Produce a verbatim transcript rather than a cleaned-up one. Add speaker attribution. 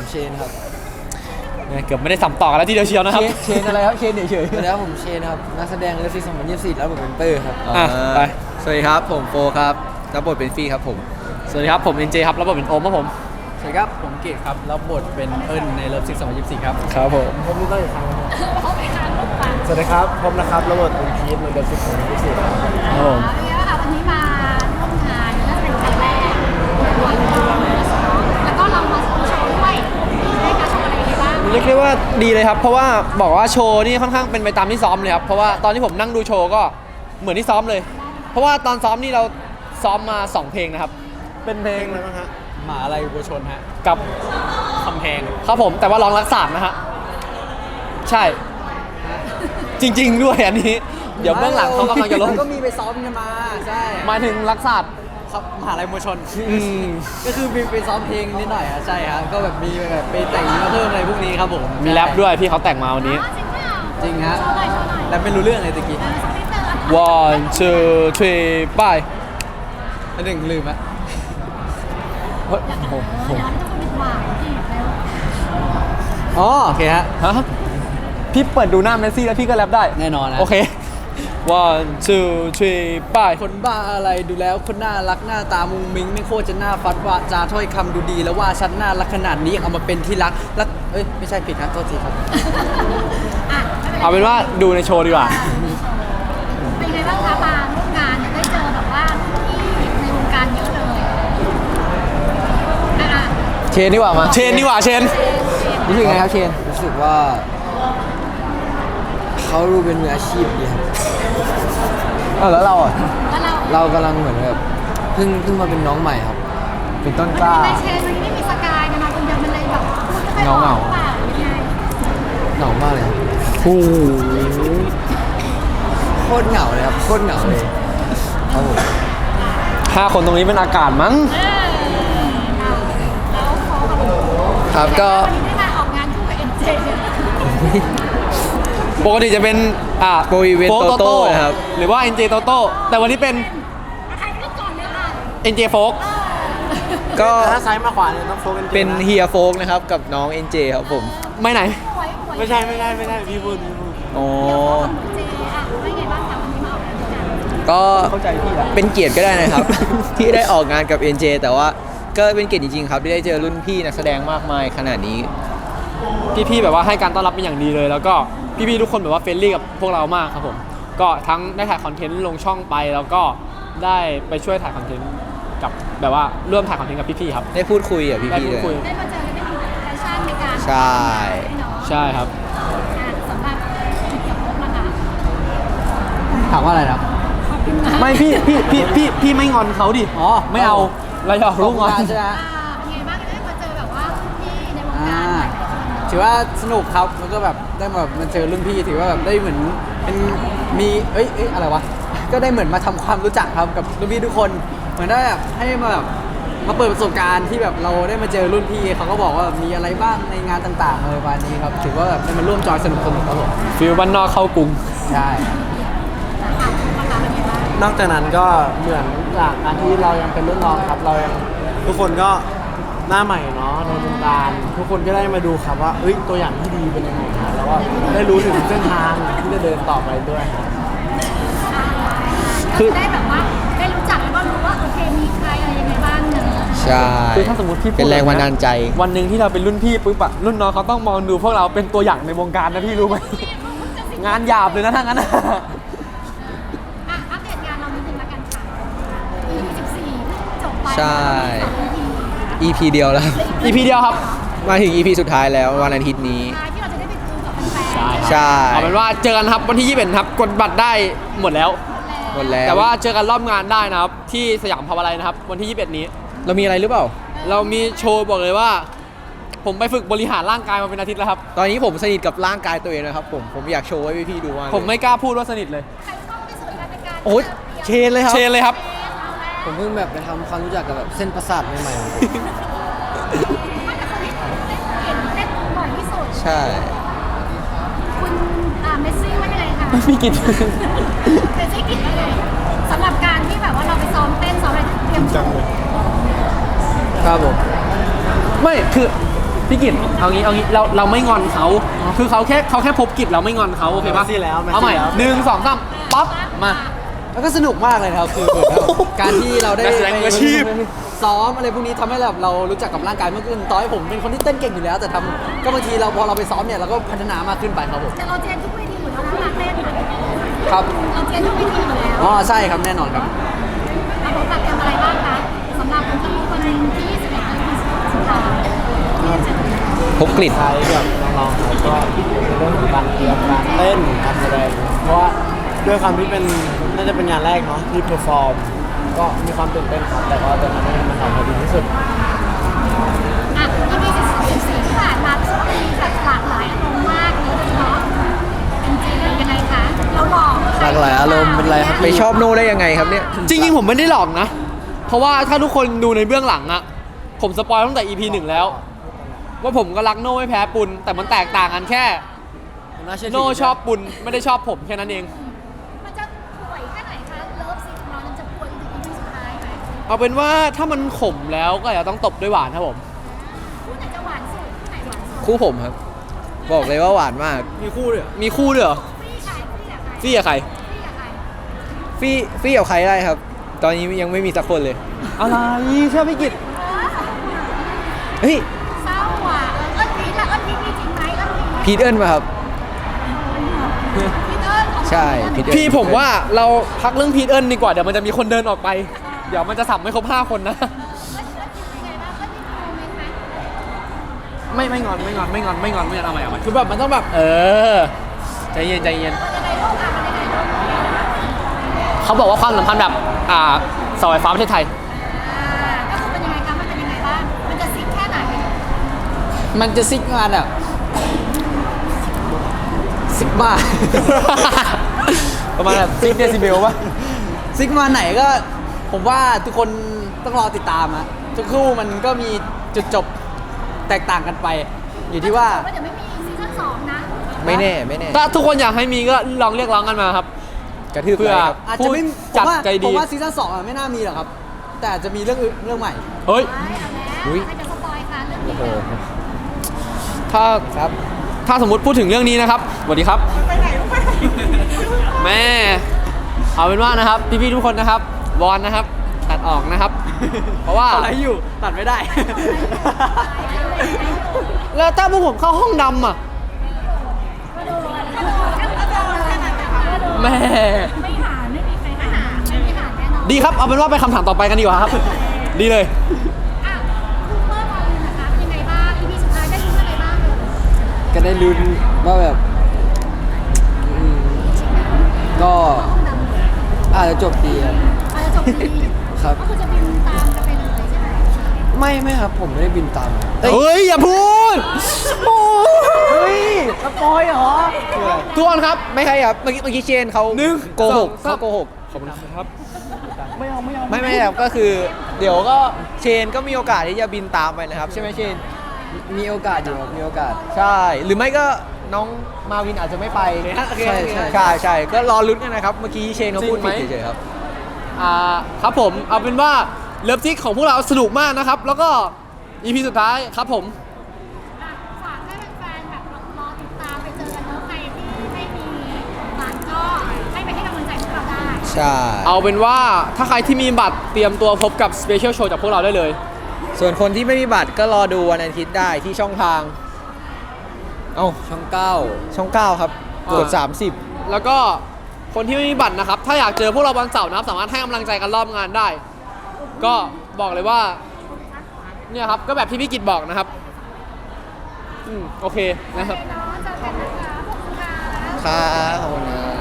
Speaker 1: เชนครับ
Speaker 2: เกือบไม่ได้สัมต่อกันแล้วทีเดียวเชียวนะครับ
Speaker 1: เชนอะไรครับเชนเฉยๆแล้วผมเชนครับนักแสดงเรื่องซีสองพันยี่สิบสี่แล้วผมเป็นเตอร์ครับ
Speaker 2: อ่ะไป
Speaker 3: สวัสดีครับผมโฟครับรับบทเป็นฟี่ครับผม
Speaker 2: สวัสดีครับผมเอ็นเจครับรับบทเป็นโอมครับผม
Speaker 1: สวัสดีครับผมเกตครับรับบทเป็นเอิญในเลิฟซิกสองพันยี่สิบสี่ครับ
Speaker 2: ครับผม
Speaker 1: ผมรู้ได้อีกครั้งสวัสดีครับผมนะครับรับบทเป็นพีทในเลิฟซิกสองพันยี่สิบสี่ครับ
Speaker 2: ผม
Speaker 4: วันนี้มาร่วมงานน่าจะเป็นครั้งแรกแล้วก็เรามาโชว์ด้วยได้การโชว์อะไรบ้าง
Speaker 2: เรียกได้ว่าดีเลยครับเพราะว่าบอกว่าโชว์นี่ค่อนข้างเป็นไปตามที่ซ้อมเลยครับเพราะว่าตอนที่ผมนั่งดูโชว์ก็เหมือนที่ซ้อมเลยเพราะว่าตอนซ้อมนี่เราซ้อมมาสองเพลงนะครับเป็นเพลงอะไรบ้างฮะ
Speaker 1: หมาอะไรวัวชนฮะ
Speaker 2: กับ
Speaker 1: คำแพง
Speaker 2: ครับผมแต่ว่าร้องรักษานะฮะใช่จริงๆด้วยอันนี้เดี๋ยวเบื้องหลังเขากำลังจะลง
Speaker 1: ก็มีไปซ้อมกันมาใช่
Speaker 2: หมายถึงรักษา
Speaker 1: ครับมหาลัยมวลชนก็คือมีไปซ้อมเพลงนิดหน่อยอ่ะใช่ครับก็แบบมีแบบไปแต่งมาเพิ่มอะไรพวกนี้ครับผม
Speaker 2: มีแรปด้วยพี่เขาแต่งมาวันนี้
Speaker 1: จริงฮะแล้วไม่รู้เรื่องอะไรตะกี้
Speaker 2: one two three ไป
Speaker 1: อันหนึ่งลืมอ่ะ
Speaker 2: เฮ้ยโอ้โห
Speaker 1: อ๋อโอเคฮะ
Speaker 2: ฮะพี่เปิดดูหน้าเมสซี่แล้วพี่ก็แรปได้
Speaker 1: แน่นอนนะ
Speaker 2: โอเค one two three ไป
Speaker 1: คนบ้าอะไรดูแล้วคนน่ารักหน้าตามุงมิ้งไม่โคตรจะน่าฟัดว่าจาถ้อยคำดูดีแล้วว่าฉันน่ารักขนาดนี้ยังเอามาเป็นที่รักรักเอ้ยไม่ใช่ผิดนะโทษทีครับ
Speaker 2: เอาเป็นว่าดูในโชว์ดีกว่า
Speaker 4: เป็นไงบ้างคะมาร่วมงานเนี่ยได้เจอแบบว่าที่ในวงการเยอะเลย
Speaker 1: เชนดีกว่ามา
Speaker 2: เชนดีกว่าเชน
Speaker 1: รู้สึกไงครับเชน
Speaker 3: รู้สึกว่าเขาดูเป็นมืออาชีพดีครับ
Speaker 1: เออแล้วเราอ่ะ
Speaker 3: เรากำลังเหมือนแบบเพิ่งเพิ่งมาเป็นน้องใหม่ครับ
Speaker 1: เป็นต้นกล้า
Speaker 4: ไม่เชนวันนี้ไม่มีสกายมาคนเดียวมันเลยแบบ
Speaker 1: เงาเงา
Speaker 3: เหงามากเลยครับ
Speaker 1: โอ้โห
Speaker 3: โคตรเหงาเลยครับโคตรเหงาเลยครับผม
Speaker 2: ห้าคนตรงนี้เป็นอากาศมั้ง
Speaker 3: ครับก็
Speaker 4: ได้มาออกงานคู่กับเอ็นเจ
Speaker 2: ปกติจะเป็นอ่า
Speaker 3: โปรอีเวนต์โตโต้นะครับ
Speaker 2: หรือว่า เอ็น เจ โตโต้แต่วันนี้เป็น
Speaker 4: ใครเลือกก่อนเลยค่ะ
Speaker 2: เอ็น เจ โฟก
Speaker 3: ก็
Speaker 1: ถ้าซ้ายมาขวาเนี่ยต้องโฟกกัน
Speaker 3: เป็นเฮียโฟกนะครับกับน้อง เอ็น เจ ครับผม
Speaker 2: ไม่ไหน
Speaker 1: ไม่ใช่ไม่ใช่ไม่ใช่พี่พูดพี่พูด
Speaker 3: อ๋อ
Speaker 4: เจอ่ะได้ไงบ้างคะวันนี้มาออกงาน
Speaker 3: ก็เป็นเกียรติก็ได้นะครับ ที่ได้ออกงานกับ เอ็น เจ แต่ว่าก็เป็นเกียรติจริงๆครับที่ได้เจอรุ่นพี่นักแสดงมากมายขนาดนี้
Speaker 2: พี่ๆแบบว่าให้การต้อนรับเป็นอย่างดีเลยแล้วก็พี่ๆทุกคนแบบว่าเฟรนลี่กับพวกเรามากครับผมก็ทั้งได้ถ่ายคอนเทนต์ลงช่องไปแล้วก็ได้ไปช่วยถ่ายคอนเทนต์กับแบบว่าร่วมถ่ายคอนเทนต์กับพี่ๆครับ
Speaker 3: ได้พูดคุยกับพี่ๆ
Speaker 4: เลยได้มาเจอได้มีแฟชั่นในการ
Speaker 3: ใช่
Speaker 2: ใช่ครับ
Speaker 4: สำหรับจุดจบนะคะ
Speaker 1: ถามว่าอะไรนะ
Speaker 2: ไม่พี่พี่พี่พี่พี่ไม่งอนเขาดิ
Speaker 1: อ๋อ
Speaker 2: ไม่เอาเราอยากรู้งอน
Speaker 1: ใช่ไหม
Speaker 4: เป็นไงบ้างได้มาเจอแบบว่าพี่ในวงการ
Speaker 1: ถือว่าสนุกครับแล้วก็แบบได้มาแบบมาเจอรุ่นพี่ถือว่าแบบได้เหมือนเป็นมีเอ้ยเอ้ยอะไรวะก็ได้เหมือนมาทำความรู้จักครับกับรุ่นพี่ทุกคนเหมือนได้แบบให้มาแบบมาเปิดประสบการณ์ที่แบบเราได้มาเจอรุ่นพี่เขาก็บอกว่ามีอะไรบ้างในงานต่างๆอะไรประมาณนี้ครับถือว่าแบบได้มาร่วมจอยสนุกสนุกครับผม
Speaker 2: ฟิลบ้านนอกเข้ากรุง
Speaker 1: ใช่นอกจากนั้นก็เหมือนจากการที่เรายังเป็นรุ่นน้องครับเรายังทุกคนก็หน้าใหม่เนาะในวงการทุกคนก็ได้มาดูครับว่าเอ้ยตัวอย่างที่ดีเป็นยังไงครับแล้วก็ได้รู้ถึงเส้นทางที่จะเดินต่อไปด้วย
Speaker 4: คือได้แบบว่าได้รู้จักแล้วก็รู้ว่าโอเคมีใครอะไรยังไงบ้างเนอะ
Speaker 3: ใช่
Speaker 2: คือถ้าสมมติพี่
Speaker 3: เป็นแรงบันดาลใจ
Speaker 2: วันหนึ่งที่เราเป็นรุ่นพี่ปุ๊บอะรุ่นน้องเขาต้องมองดูพวกเราเป็นตัวอย่างในวงการนะพี่รู้ไหมงานหยาบเลยนะทั้งนั้น
Speaker 4: อัปเดตงานเรานิดนึงละกันค่ะ อี พี สิบสี่จบไป
Speaker 3: ใช่ อี พี เดียวแล้ว
Speaker 2: อี พี เดียวครับ
Speaker 3: มาถึง อี พี สุดท้ายแล้ววันอาทิตย์นี้
Speaker 4: ที่เราจะได้ไปดูกับแฟน
Speaker 3: ใช่
Speaker 2: เอาเป็นว่าเจอกันครับวันที่ยี่สิบเอ็ดครับกดบัตรได้หมดแล้ว
Speaker 3: หมดแล้ว
Speaker 2: แต่ว่าเจอกันรอบงานได้นะครับที่สยามพาวาไลน์นะครับวันที่ยี่สิบเอ็ดนี้
Speaker 3: เรามีอะไรหรือเปล่า
Speaker 2: เรามีโชว์บอกเลยว่าผมไปฝึกบริหารร่างกายมาเป็นอาทิตย์แล้วครับ
Speaker 3: ตอนนี้ผมสนิทกับร่างกายตัวเองนะครับผมผมอยากโชว์ให้พี่ๆดูว่า
Speaker 2: ผมไม่กล้าพูดว่าสนิทเลย
Speaker 3: โอ้ยเชนเลยครับ
Speaker 2: เชนเลยครับ
Speaker 1: ผมเพิ่งแบบไปทำความรู้จักกับแบบเส้นประสาทใหม่ๆ
Speaker 3: ใช่
Speaker 4: คุณเมสซี่ว่ายังไงคะ
Speaker 2: พี่กิน
Speaker 4: เมสซี่กินว่าไงสำหรับการที่แบบว่าเราไปซ้อมเต้นซ้อมอะไรเตรียมจังเลย
Speaker 2: ครับผมไม่คือพี่กิตเอางี้เอางี้เราเราไม่งอนเขาคือเขาแค่เขาแค่พบกิจเราไม่งอนเขาโอเคปะ
Speaker 5: แมสซี่แล้วแมสซี่
Speaker 2: เอาใหม่
Speaker 5: แล้ว
Speaker 2: หนึ่งสองสามป๊อปมา
Speaker 1: แล้วก็สนุกมากเลยนะครับคือเหมือนแบบการที่เราได้
Speaker 2: นักแสดงมืออาชีพ
Speaker 1: ซ้อมอะไรพวกนี้ทำให้แบบเรารู้จักกับร่างกายมากขึ้นต่อให้ผมเป็นคนที่เต้นเก่งอยู่แล้ว แต่ทำก็บางทีเราพอเราไปซ้อมเนี่ยเราก็พัฒนามากขึ้นไปครับผม
Speaker 4: แต่เราเจนทุกเวทีอยู่แล้วนะเต้น
Speaker 1: ครับ
Speaker 4: เราเจนทุกเวทีอยู่แล้ว
Speaker 1: อ๋อใช่ครับแน่นอนครับ
Speaker 4: เราบอกแบบทำอะไรบ้างคะสำหรับคนที่วันที่ยี่สิบเอ็ดและยี่สิบสุดท้ายที่จะ
Speaker 3: พบกลิ่น
Speaker 5: ใช้แบบน้องๆเขาก็ในเรื่องของการเตรียมการเต้นการแสดงเพราะว่าด้วยความที่เป็นน่าจะเป็นงานแรกเนาะที่เพอร์ฟอร์มก็มีความตื่นเต้นครับแต่ก็จะทำให้มันออกมาดีที่สุด
Speaker 4: อ่ะที่มีสิบสี่ที่ผ่านมาช่วงนี้แบบหลากหลายอารมณ์มากเลยเนาะจริงๆเป็นยังไงคะเราหลอก
Speaker 3: หลากหลายอารมณ์เป็นไรครับไปชอบโน่ได้ยังไงครับเนี่ย
Speaker 2: จริงๆผมไม่ได้หลอกนะ เพราะว่าถ้าทุกคนดูในเบื้องหลังอะผมสปอยตั้งแต่ อี พี หนึ่งแล้ว ว่าผมก็รักโน่ไม่แพ้ปุนแต่มันแตกต่างกันแค่ โน่ชอบปุนไม่ได้ชอบผมแค่นั้นเอง
Speaker 4: มันจะป่วยแค่ไหนคะเลิฟซีนของเรามันจะป่วยถึง อี พี สุดท้ายไหม
Speaker 2: เอาเป็นว่าถ้ามันขมแล้วก็อย่าต้องตบด้วยหวานครับผม
Speaker 4: คู่ไหนจะหวานสุดคู่ไหนหวานสุด
Speaker 3: คู่ผมครับ บอกเลยว่าหวานมาก
Speaker 2: มีคู่ด้วยมีคู่ด้วยเหรอ
Speaker 4: ฟี่ใครฟี่กับใคร
Speaker 2: ฟี่กับใคร
Speaker 4: ฟี่กับใคร
Speaker 3: ฟี่ฟี่กับใครได้ครับ ตอนนี้ยังไม่มีสักคนเลย
Speaker 2: อะไรใช่พี่กิต
Speaker 3: เฮ้ย
Speaker 4: เศร้าอ่ะเอิ้นพีทละเอิ้นพีทมีจริงไหมเอิ้นพีท
Speaker 3: พีทเอิญมาครับ
Speaker 4: พีทเอิ้นของ
Speaker 3: ใช่พีทเอิญ
Speaker 2: พี่ผมว่าเราพักเรื่องพีทเอิญดีกว่าเดี๋ยวมันจะมีคนเดินออกไป เดี๋ยวมันจะสับไม่ครบห้าคนนะ
Speaker 4: เอิ้นเอิ้นพีทเป็นไงบ้างเอิ้นพีทมีโมเมนต์ไหม
Speaker 2: ไม่ไม่งอนไม่งอนไม่งอนไม่งอนไม่งอนเอาใหม่เอาใหม่
Speaker 1: คือแบบมันต้องแบบ
Speaker 2: เออใจเย็นใจเย็น
Speaker 4: มันยังไงลูกอ่ะมันยังไงลูก
Speaker 2: เขาบอกว่าความสัมพันธ์แบบอ่าเสาไฟฟ้าประเทศไทย
Speaker 4: อ่าก็คือเป็นยังไงคะมันเป็นยังไงบ้างมันจะซิกแค่ไหน
Speaker 1: มันจะซิกงานแบบซิกบ้า
Speaker 2: ประมาณแบบซิกเดซิเบลป่ะ
Speaker 1: ซิกมาไหนก็ผมว่าทุกคนต้องรอติดตามอะทุกคู่มันก็มีจุดจบแตกต่างกันไป อยู่ที่ว่า
Speaker 4: ว่าเดี๋ยวไม่มีซีซั่นสองนะ
Speaker 3: ไม่แน่ไม่แน่
Speaker 2: ถ้าทุกคนอยากให้มีก็ลองเรียกร้องกันมาครับ
Speaker 3: กระทืบ
Speaker 2: เพื่อ
Speaker 3: เลยครับ
Speaker 1: อาจจะไม่
Speaker 2: ผู้จัด
Speaker 1: ผมว่า
Speaker 2: ใจดี
Speaker 1: ผมว่าซีซั่นสองอะไม่น่ามีหรอกครับ แต่อาจจะมีเรื่องอื่นเรื่องใหม่
Speaker 2: เฮ้ย
Speaker 4: ไม่เอาแล้ว
Speaker 3: อุ๊ย
Speaker 4: ใครจะสปอยคะเรื่องนี้
Speaker 3: โอ้โห
Speaker 2: ถ้า
Speaker 3: ครับ
Speaker 2: ถ้าสมมติพูดถึงเรื่องนี้นะครับสวัสดีครับแม่เอาเป็นว่านะครับพี่ๆทุกคนนะครับวอนนะครับตัดออกนะครับ เพราะว่า
Speaker 1: อะไรอยู่ตัดไม่ได้
Speaker 2: แล้วถ้าพวกผมเข้าห้องดำอ่ะ
Speaker 4: ก็โดนก็โดนก็โดนขนาดนั้นก็โดน
Speaker 2: แม่
Speaker 4: ไม่หาไม่มีใครหาไม่มีหาแน่นอน
Speaker 2: ดีครับเอาเป็นว่าไปคำถามต่อไปกันดีกว่าครับ ดีเลย
Speaker 4: อ่ะคูเปอร์มาเลยนะคะเป็นยังไงบ้าง อี พี สุดท้ายได้รู้อะไรบ้างเลย
Speaker 1: ก็ได้ลุ้นว่าแบบอืมก็อาจจะจบดีครับ
Speaker 4: อาจจะจบดี
Speaker 1: ครับ
Speaker 4: ก็คือจะบินตามกันไปเลยใช่ไหม
Speaker 1: ไม่ไม่ครับผมไม่ได้บินตาม
Speaker 2: เฮ้ยอย่าพูดโอ้
Speaker 1: เฮ้ยสปอยเหรอ
Speaker 2: ทุกคนครับ
Speaker 3: ไม่ใช่ครับ เมื่อกี้เมื่อกี้เชนเขา
Speaker 2: หนึ่ง
Speaker 3: โกหก
Speaker 2: สองสาม
Speaker 3: เขาโกหก
Speaker 2: ขอบคุณครับ
Speaker 3: ไม่ไม่ครับก็คือ เดี๋ยวก็เชนก็มีโอกาสที่จะบินตามไปนะครับใช่ไหมเชน
Speaker 1: มีโอกาสอยู่ครับมีโอกาส
Speaker 3: ใช่ หรือไม่ก็น้องมาวินอาจจะไม่ไป
Speaker 1: ใช่ใช่
Speaker 3: ใช่ใช่ก็รอลุ้นกันนะครับ เมื่อกี้เชนเขาพูดผิด
Speaker 2: จริงไหม
Speaker 3: เฉยๆครับ
Speaker 2: อ่าครับผมเอาเป็นว่าเลิฟซิกของพวกเราสนุกมากนะครับ แล้วก็ อี พี สุดท้ายครับผม
Speaker 4: อ่ะฝากให้แฟนๆแบบรอติดตามไปเจอกันเนอะใครที่ไม่มีบัตรก็ให้ไปให้กำลังใจพวกเราได้
Speaker 3: ใช่
Speaker 2: เอาเป็นว่าถ้าใครที่มีบัตรเตรียมตัวพบกับสเปเชียลโชว์จากพวกเราได้เลย
Speaker 3: ส่วนคนที่ไม่มีบัตรก็รอดูวันอาทิตย์ได้ที่ช่องทาง เอ้า
Speaker 1: ช่องเก้า
Speaker 3: ช่องเก้าครับ
Speaker 2: อ่า
Speaker 3: กดสามสิบ
Speaker 2: แล้วก็คนที่ไม่มีบัตรนะครับ ถ้าอยากเจอพวกเราวันเสาร์นะครับ สามารถให้กำลังใจกันรอบงานได้ ก็บอกเลยว่าเนี่ยครับก็แบบที่พี่กิตบอกนะครับอืมโอเคนะครับ
Speaker 4: โอเคเนาะเจอกันนะคะขอบคุณค่ะ
Speaker 3: ครับขอบคุณนะ